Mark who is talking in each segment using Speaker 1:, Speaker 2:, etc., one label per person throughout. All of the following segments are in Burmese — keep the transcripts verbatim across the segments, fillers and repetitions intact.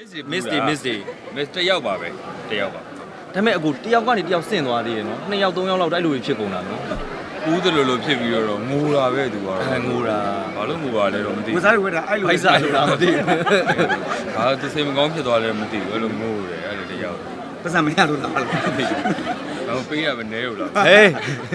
Speaker 1: miss day miss day
Speaker 2: miss တယောက်ပါပဲတယောက်ပါ
Speaker 1: ဒါပေမဲ့အခုတယောက်ကနေတယောက်ဆင့်သွားသေးတယ်နော်နှစ်ယောက်သုံးယောက်လောက်တိုက်လို့ဖြစ်ကုန်တာနော်
Speaker 2: ဦးတယ်လို့လို့ဖြစ်ပြီးတော့ငိုတာပဲသူကတော့
Speaker 1: ငိုတာ
Speaker 2: ဘာလို့ငိုပါလဲတော့မသိဘူး
Speaker 3: ဝစားတွေဝဲတာအဲ့လို
Speaker 1: ဖိုက်စားလို့လားမသိဘူး
Speaker 2: ဟာသူစိတ်မကောင်းဖြစ်သွားတယ်မသိဘူးအဲ့လိုငိုတယ်အဲ့လိုတယောက်
Speaker 3: ပတ်စံမရလို့လား
Speaker 2: မသိဘူးတော့ပေးရမနေဘူးလား
Speaker 1: ဟေး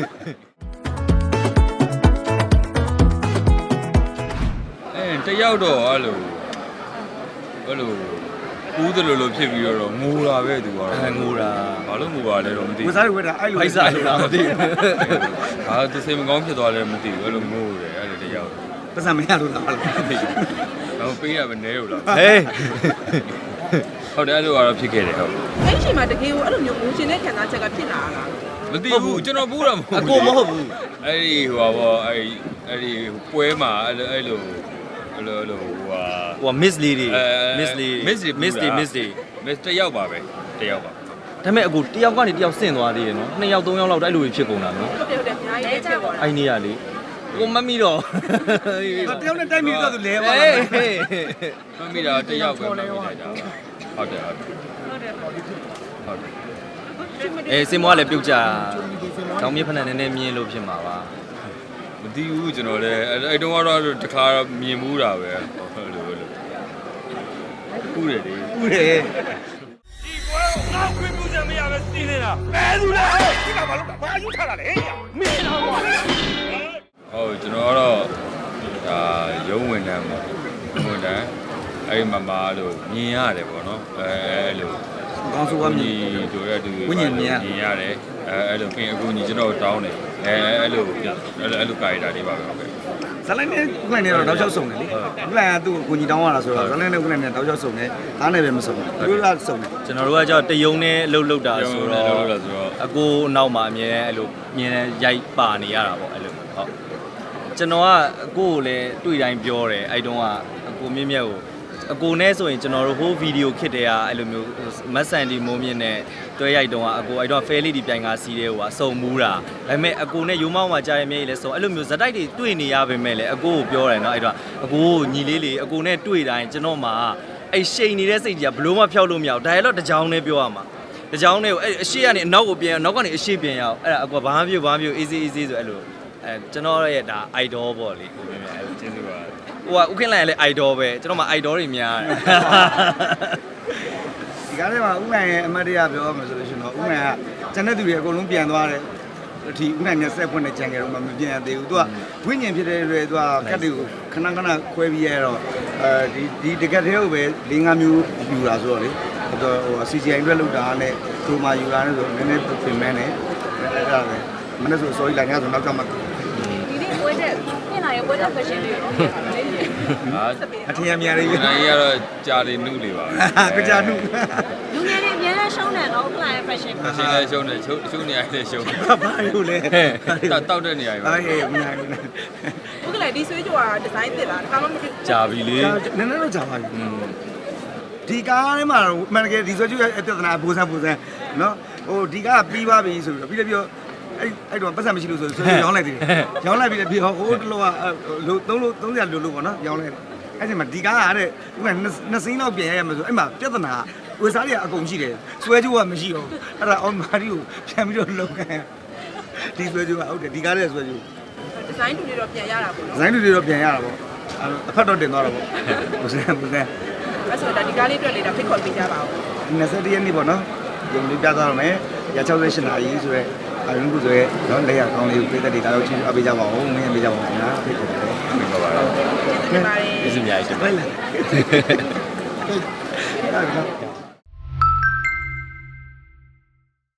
Speaker 2: အဲတယောက်တော့အဲ့လိုအဲ့လိုဦးတယ်လို့လို့ဖြစ်ပြီးတော့ငိုတာပဲသူကတော့
Speaker 1: ငိုတာ
Speaker 2: ဘာလို့ငိုပါလဲတော့မသိဘူး
Speaker 3: ဝစားတွေဝဲတာအဲ့လို
Speaker 1: ဖိုက်စားလို့လားမသိဘူး
Speaker 2: ဟာသူစိတ်မကောင်းဖြစ်သွားတယ်မသိဘူးအဲ့လိုငိုတယ်အဲ့လိုတယောက်
Speaker 3: ပတ်စံမရလို့လား
Speaker 2: မသိဘူးတော့ပေးရမနေဘူးလား
Speaker 1: ဟေး
Speaker 2: ဟုတ်တယ်အဲ့လိုကတော့ဖြစ်ခဲ့တယ်ဟုတ်
Speaker 4: အဲ့ဒီချိန်မှာတကယ်ကိုအဲ့လိုမျိုးငိုရှင်တဲ့ခံစားချက်ကဖြစ်လာတာ
Speaker 2: မသိဘူးကျွန်တော်ဘူးတာမဟုတ်
Speaker 1: ဘူးအကိုမဟုတ်ဘူး
Speaker 2: အဲ့ဒီဟိုပါဘောအဲ့ဒီအဲ့ဒီပွဲမှာအဲ့လိုအဲ့လိုအဲ့လိုဟိုဟာ
Speaker 1: ဟို miss lady miss lady
Speaker 2: miss
Speaker 1: miss day miss day
Speaker 2: miss တယောက်ပါပဲတယောက်ပါ
Speaker 1: ဒါပေမဲ့အခုတယောက်ကနေတယောက်ဆင့်သွားသေးတယ်နော်နှစ်ယောက်သုံးယောက်လောက်တိုက်လို့ဖြစ်ကုန်တာနော်
Speaker 4: ဟုတ်တယ်ဟုတ်တယ်အများကြီးဖြစ်သွားတာ
Speaker 1: အဲ့နေရလေကိုမမီတော့
Speaker 3: တယောက်နဲ့တိုက်မိတော့သူလဲပါ
Speaker 1: လား
Speaker 2: မမီတာတယောက်ပဲမမီတာကြာဟုတ်တယ်ဟုတ်တယ်ဟုတ်တယ်ဟုတ်တယ်
Speaker 1: အေးစင်မွားလည်းပြုတ်ကြတောင်မြစ်ဖက်နဲ့နည်းနည်းမြင်လို့ဖြစ်မှာပါ
Speaker 2: မသိဘူးကျွန်တော်လည်းအဲ့တုန်းကတော့တခါမြင်မှုတာပဲဟုတ်လို့လို့ကူးတယ်လေ
Speaker 3: ကူးတယ်
Speaker 2: ဒီကွာငါခွင့်ပြုချက်မရပဲစီးနေတာဘယ်သူလဲဒီကဘာလို့ဘာယူထားတာလဲမင်းတော့ကွာဟုတ်ကျွန်တော်ကတော့ဒါရုံးဝင်တန်းပေါ့ဝင်တန်းအဲ့မမလို့မြင်ရတယ်ပေါ့နော်အဲအဲ့လို
Speaker 3: ကောင်းဆိုးကမြင်
Speaker 2: တို့ရတူ
Speaker 3: ဝိညာဉ်မြင်
Speaker 2: မြင်ရတယ်အဲအဲ့လိုခင်အခုညီကျွန်တော်တောင်းတယ်အဲအဲ့လိုအဲ့လိုအဲ့လိုကာရီတာလေးပါပဲဟုတ်ကဲ့
Speaker 3: ဇလိုင်းနဲ့ဥက္ကဋ္ဌနဲ့တော့တောက်လျှောက်စုံတယ်လေဥက္ကဋ္ဌကသူ့ကိုကိုကြီးတောင်းရတာဆိုတော့ဇလိုင်းနဲ့ဥက္ကဋ္ဌနဲ့တောက်လျှောက်စုံတယ်အားနဲ့ပဲမစုံဘူးသူတို့ကစုံတယ်
Speaker 1: ကျွန်တော်တို့ကကြောက်တယုံနဲ့လှုပ်လှုပ်တာဆိုတော့အကိုနောက်မှာအမြဲအဲ့လိုမြင်ရိုက်ပါနေရတာပေါ့အဲ့လိုဟုတ်ကျွန်တော်ကအကိုကိုလည်းတွေ့တိုင်းပြောတယ်အဲ့တုန်းကအကိုမြင့်မြတ်ကိုအကိုနဲ့ဆိုရင်ကျွန်တော်တို့ဟိုဗီဒီယိုခစ်တဲ့ကအဲ့လိုမျိုးမတ်ဆန်ဒီမိုးမြင့်နဲ့တွဲရိုက်တုန်းကအကိုအဲ့တော့ fair lady ပြိုင်ကားစီးတဲ့ဟိုကအစုံမူးတာဒါပေမဲ့အကိုနဲ့ရိုးမောင်းမှာကြားရမြေလည်းစုံအဲ့လိုမျိုးဇက်တိုက်တွေတွေ့နေရပါပဲလေအကိုကိုပြောတယ်နော်အဲ့တော့အကိုကိုညီလေးလေးအကိုနဲ့တွေ့တိုင်းကျွန်တော်မှာအဲ့ရှိန်နေတဲ့စိတ်ကြီးကဘလို့မှဖျောက်လို့မရဘူး dialogue တစ်ကြောင်းနဲ့ပြောရမှာတစ်ကြောင်းနဲ့ကိုအဲ့အရှိကနေအနောက်ကိုပြန်နောက်ကနေအရှိပြန်ရအောင်အဲ့ဒါအကိုဘာမှပြုတ်ဘာမှပြုတ် easy easy ဆိုအဲ့လိုအဲကျွန်တော်ရဲ့ဒါ idol ပေါ့လေကိုမြင်မြင်အဲ့လိုကျေးဇူးပါဟိုကဥက္ကဋ္ဌလည်း idol ပဲကျွန်တော်မှ idol တွေများတယ်
Speaker 3: ဒီကားထဲမှာဥက္ကဋ္ဌရဲ့အမတ်တရားပြောမှဆိုလို့ရှိရင်တော့ဥက္ကဋ္ဌကကျန်တဲ့သူတွေအကုန်လုံးပြန်သွားတယ်ဒီဥက္ကဋ္ဌနဲ့ဆက်ဖွင့်တဲ့ကြံကြတော့မှမပြန်သေးဘူးသူကဝိညာဉ်ဖြစ်တဲ့တွေသူကကတ်တွေကိုခဏခဏခွဲပြီးရတော့အဲဒီဒီတကက်သေးကိုပဲ၄၅မျိုးယူတာဆိုတော့လေဟို စီ ဂျီ အိုင် အတွက်လောက်တာနဲ့သူမှယူတာနဲ့ဆိုနည်းနည်းပြင်မဲနဲ့အဲ့ဒါပဲမနေ့ဆို sorry လာညဆိုနောက်ကျမှ
Speaker 4: ဒီနေ့ပွဲတဲ့ပြင်လာရဲ့ပွဲတဲ့ fashion တွေရော
Speaker 2: ဟာ
Speaker 3: အထင်အမြင်လေး
Speaker 2: နိုင်ရတော့ကြာနေနှုတ်လေပါ
Speaker 3: ကကြာနှုတ်
Speaker 4: လူငယ်တွေအများအားရှုံးတယ်နော်ဥက္ကဋ္ဌရဲ့ fashion
Speaker 2: ဖက်ရှင်လည်းရှုံးတယ်ရှုံးရှုံးနေရတဲ့ရှုံး
Speaker 3: ဘာလို့လဲ
Speaker 2: တောက်တဲ့နေရာပဲ
Speaker 3: အေးမနိုင်ဘူး
Speaker 4: ဥက္ကဋ္ဌဒီဆွေးကြွားဒီဇိုင်းသစ်လားဒါမှမဟုတ်
Speaker 1: ကြာပြီလေ
Speaker 3: နည်းနည်းတော့ကြာပါပြီဒီကားထဲမှာအမှန်တကယ်ဒီဆွေးကြွားရဲ့ပြဿနာဘူဆန်းဘူဆန်းနော်ဟိုဒီကားပြီးသွားပြီဆိုပြီးတော့ပြီးတော့အဲ့အဲ့တော့ပတ်စံမရှိလို့ဆိုဆွေးကြွားရောင်းလိုက်တယ်ရောင်းလိုက်ပြီးပြီးဟိုတလောကလို့သုံးလို့သုံးရလို့လို့ပေါ့နော်ရောင်းလိုက်တယ်အဲ့ဒီမှာဒီကားကတဲ့ဥပမာနှစ်စိမ်းလောက်ပြင်ရရမယ်ဆိုအဲ့မှာပြဿနာဝေစားတွေကအကုန်ရှိတယ်ဆွဲကြိုးကမရှိတော့အဲ့ဒါအောင်မာရီကိုပြန်ပြီးတော့လုံခံဒီဆွဲကြိုးကဟုတ်တယ်ဒီကားတဲ့ဆွဲကြိုး
Speaker 4: ဒီဇိုင်းတူတွေတော့ပြန်ရတာပေါ့နော်
Speaker 3: ဒီဇိုင်းတူတွေတော့ပြန်ရတာပေါ့အဲ့အဖက်တော့တင်သွားတာပေါ့ဘုစံဘုစံ
Speaker 4: အဲ့ဆိုတော့ဒီကားလေးတွေ့လေတော့ဖိတ်ခေါ်ပေးကြပါဦး
Speaker 3: နှစ်ဆက်တရက်နေ့ပေါ့နော်ရုံလေးပြသွားတော့မယ်ရ၆၈နာရီဆိုရဲအရင်ကဆိုရဲနော်လက်ရကောင်းလေးကိုပေးတဲ့ဒေတာကိုချင်းအပေးကြပါဦးမင်းပေးကြပါဦးခင်ဗျာဖိတ်ခေါ်ပါတယ်
Speaker 2: ဟုတ်ပါပါ
Speaker 4: ကျေးဇူးတင်ပါတယ်
Speaker 1: ကျေးဇူးများကြီးတင်ပါတယ်